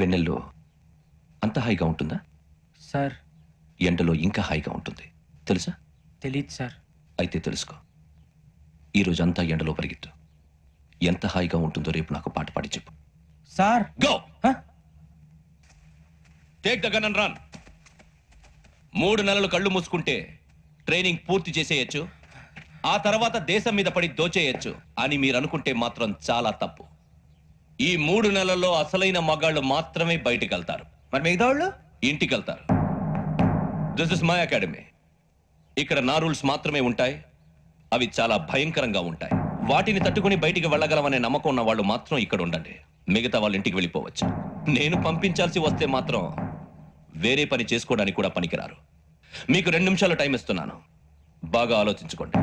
వెన్నెల్లో అంత హాయిగా ఉంటుందా? సార్ ఎండలో ఇంకా హాయిగా ఉంటుంది తెలుసా? తెలీదు సార్. అయితే తెలుసుకో. ఈరోజు అంతా ఎండలో పరిగెత్తు. ఎంత హాయిగా ఉంటుందో రేపు నాకు పాట పాడి చెప్పు. Sir go take the gun and run. 3 నెలలు కళ్ళు మూసుకుంటే ట్రైనింగ్ పూర్తి చేసేయచ్చు, ఆ తర్వాత దేశం మీద పడి దోచేయచ్చు అని మీరు అనుకుంటే మాత్రం చాలా తప్పు. ఈ 3 నెలల్లో అసలైన మగాళ్ళు మాత్రమే బయటికి వెళ్తారు. మరి మిగతా వాళ్ళు ఇంటికి వెళ్తారు. This is my academy. ఇక్కడ నా రూల్స్ మాత్రమే ఉంటాయి. అవి చాలా భయంకరంగా ఉంటాయి. వాటిని తట్టుకుని బయటికి వెళ్ళగలమనే నమ్మకం ఉన్న వాళ్ళు మాత్రం ఇక్కడ ఉండండి. మిగతా వాళ్ళు ఇంటికి వెళ్ళిపోవచ్చు. నేను పంపించాల్సి వస్తే మాత్రం వేరే పని చేసుకోవడానికి కూడా పనికిరారు. మీకు 2 నిమిషాలు టైం ఇస్తున్నాను. బాగా ఆలోచించుకోండి.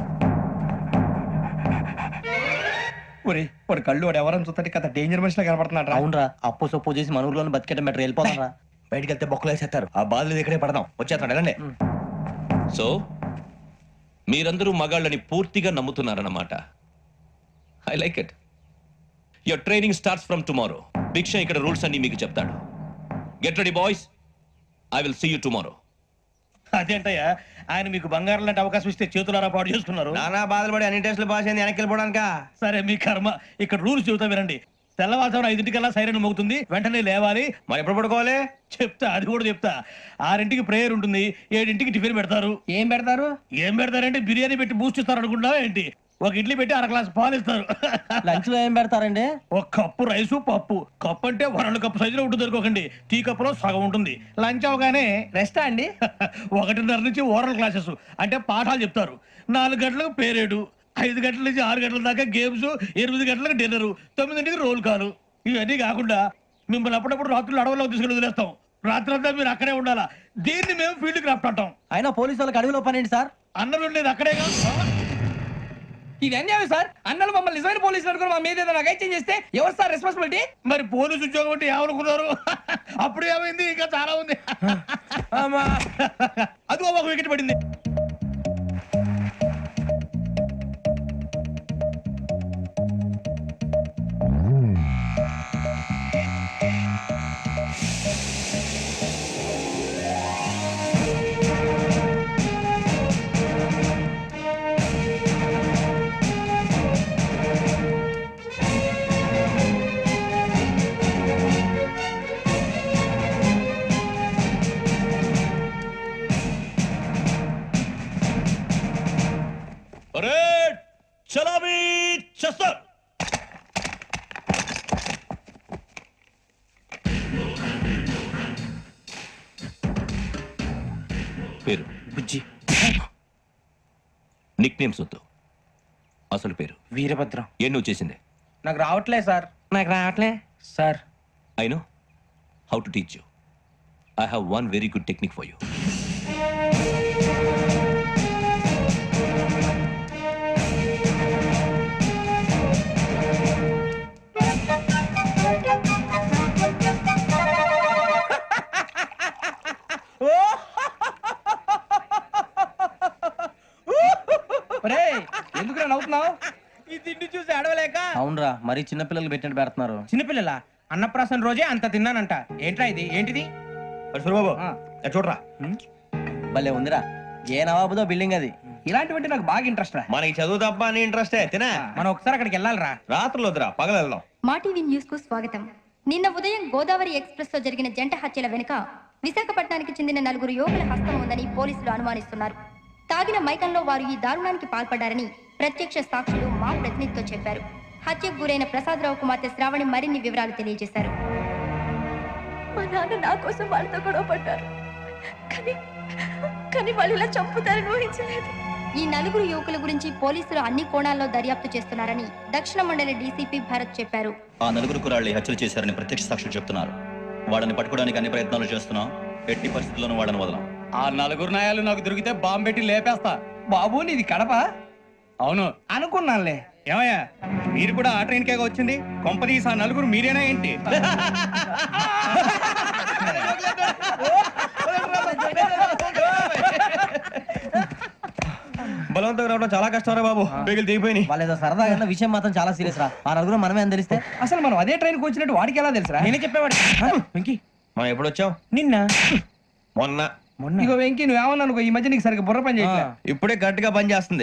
వాడు కళ్ళు వాడు ఎవరైనా చూస్తే కదా డేంజర్ మనిషిలో కనపడుతున్నాడు. అవునరా, అప్పు సొప్పు చేసి మన ఊర్లో బతికేట బెటర్ వెళ్ళిపోతారా. బయటికి వెళ్తే బొక్కలు వేసేస్తారు. ఆ బాధలు ఇక్కడే పడదాం. వచ్చేస్తాడు వెళ్ళండి. సో మీరందరూ మగాళ్ళని పూర్తిగా నమ్ముతున్నారన్నమాట. I like it. Your training starts from tomorrow. Bhiksha ఇక్కడ రూల్స్ అన్ని మీకు చెప్తాడు. Get ready boys. I will see you tomorrow. అదేంటయ్యా, ఆయన మీకు బంగారం లాంటి అవకాశం ఇస్తే చేతులారా పాటు చేసుకున్నారు. నానా బాధలు పడి అన్ని టెస్టులు పాస్ అయింది, వెనక్కి వెళ్ళిపోవడానికా? సరే మీ కర్మ. ఇక్కడ రూల్స్ చెబుతా వినండి. తెల్లవారుజామున 5 సైరన్ మోగుతుంది, వెంటనే లేవాలి. మరి ఎప్పుడు పడుకోవాలి? చెప్తా, అది కూడా చెప్తా. 6 ప్రేయర్ ఉంటుంది, 7 టిఫిన్ పెడతారు. ఏం పెడతారు? ఏం పెడతారంటే బిర్యానీ పెట్టి బూస్ట్ ఇస్తారు అనుకుంటావా ఏంటి? ఒక ఇడ్లీ పెట్టి 1 గ్లాస్ పాలు ఇస్తారు. లంచ్ లో ఏం పెడతారండి? ఒక కప్పు రైసు పప్పు. కప్పు అంటే 2 కప్పు సైజులో ఉంటుంది అనుకోకండి. టీ కప్పులో సగం ఉంటుంది. లంచ్ అవగానే రెస్టా అండి? 1:30 నుంచి ఓరల్ క్లాసెస్ అంటే పాఠాలు చెప్తారు. 4 గంటలకు పేరేడు, 5 గంటల నుంచి 6 గంటల దాకా గేమ్స్, 8 గంటలకు డిన్నర్, 9 రోల్ కాలు. ఇవన్నీ కాకుండా మిమ్మల్ని అప్పుడప్పుడు రాత్రులు అడవుల్లో తీసుకుని వదిలేస్తాం. రాత్రి అంతా మీరు అక్కడే ఉండాలా. దీన్ని మేము ఫీల్డ్ క్రాఫ్ట్ అంటాం. అయినా పోలీసు వాళ్ళకి అడవిలో పని ఏంటి సార్? అన్నం ఉండేది అక్కడే కాదు. ఇది అన్యాయం సార్. అన్నలు మమ్మల్ని నిజమైన పోలీసులు అనుకుని మా మీద ఏదైనా అగైత్యం చేస్తే ఎవరు సార్ రెస్పాన్సిబిలిటీ? మరి పోలీసు ఉద్యోగం అంటే ఏమనుకున్నారు? అప్పుడు ఏమైంది? ఇంకా చాలా ఉంది. అదిగో ఒక వికెట్ పడింది. చలామీ చేస్తారు. పేరు బుజ్జి. నిక్ నేమ్స్ వద్దు. అసలు పేరు వీరభద్రం. ఏ నువ్వు చేసింది? నాకు రావట్లే సార్. నాకు రావట్లే sir. I know how to teach you. I have one very good technique for you. ఎందుకు నవ్వుతున్నావు? ఈ తిండి చూసి అడవలేక. అవునరా, మరి చిన్నపిల్లలు పెట్టినట్టు పెడుతున్నారు. చిన్నపిల్లల అన్నప్రాసన రోజే అంత తిన్నానంట. ఏంట్రా ఇది? ఏంటిది? సూరిబాబు చూడరా. భలే ఉందిరా. ఏ నవాబుదో బిల్డింగ్ అది. ఇలాంటివంటే నాకు బాగా ఇంట్రెస్ట్ రా. మనకి చదువు తప్ప అని ఇంట్రెస్టే. తినా మనం ఒకసారి అక్కడికి వెళ్ళాలిరా. రాత్రులు వద్దురా, పగలు వెళ్దాం. మా టీవీ న్యూస్ కు స్వాగతం. నిన్న ఉదయం గోదావరి ఎక్స్ప్రెస్ లో జరిగిన జంట హత్యల వెనుక విశాఖపట్నానికి చెందిన 4 యువకుల హస్తం ఉందని పోలీసులు అనుమానిస్తున్నారు. తాగిన మైకంలో వారు ఈ దారుణానికి పాల్పడ్డారని ప్రత్యక్ష సాక్షులు మా ప్రతినిధితో చెప్పారు. హత్యకు గురైన ప్రసాదరావు కుమార్తె శ్రావణి మరిన్ని వివరాలు తెలియజేశారు. మా నాన్న నా కోసం వాళ్ళతో గొడవ పడ్డారు, కానీ వాళ్ళు ఇలా చంపుతారని ఊహించలేదు. ఈ 4 యువకుల గురించి పోలీసులు అన్ని కోణాల్లో దర్యాప్తు చేస్తున్నారని దక్షిణ మండలి డీసీపీ భరత్ చెప్పారు. ఆ 4 కుర్రాళ్ళు హత్యలు చేశారని ప్రత్యక్ష సాక్షులు చెప్తున్నారు. వాళ్ళని పట్టుకోవడానికి అన్ని ప్రయత్నాలు చేస్తున్నాం. ఎట్టి పరిస్థితుల్లోనూ వాళ్ళని వదలం. ఆ 4 నాయాలు నాకు దొరికితే బాంబు పెట్టి లేపేస్తా. బాబు నీది కడప? అవును అనుకున్నానులే. ఏమయ్యా, మీరు కూడా ఆ ట్రైన్ కేగా వచ్చింది? కొంపదీసి ఆ 4 మీరేనా ఏంటి? బలవంతంగా రావడం పట్టుకోవడం చాలా కష్టం రా బాబు పేగులు దిగిపోయినాయి. వాళ్ళు ఏదో సరదాగా విషయం మాత్రం చాలా సీరియస్ రా. ఆ నలుగురు మనమే అని తెలిస్తే అసలు మనం అదే ట్రైన్కి వచ్చినట్టు వాడికి ఎలా తెలుసురా? నేనే చెప్పేవాడు. వెంకీ మనం ఎప్పుడు వచ్చాం? నిన్న మొన్న. ఇగో వెంకీ నువ్వేమన్నా అనుకో, ఈ మధ్య నీకు సరిగ్గా బుర్ర పని చేయట్లే. ఇప్పుడే గట్టిగా పని చేస్తుంది.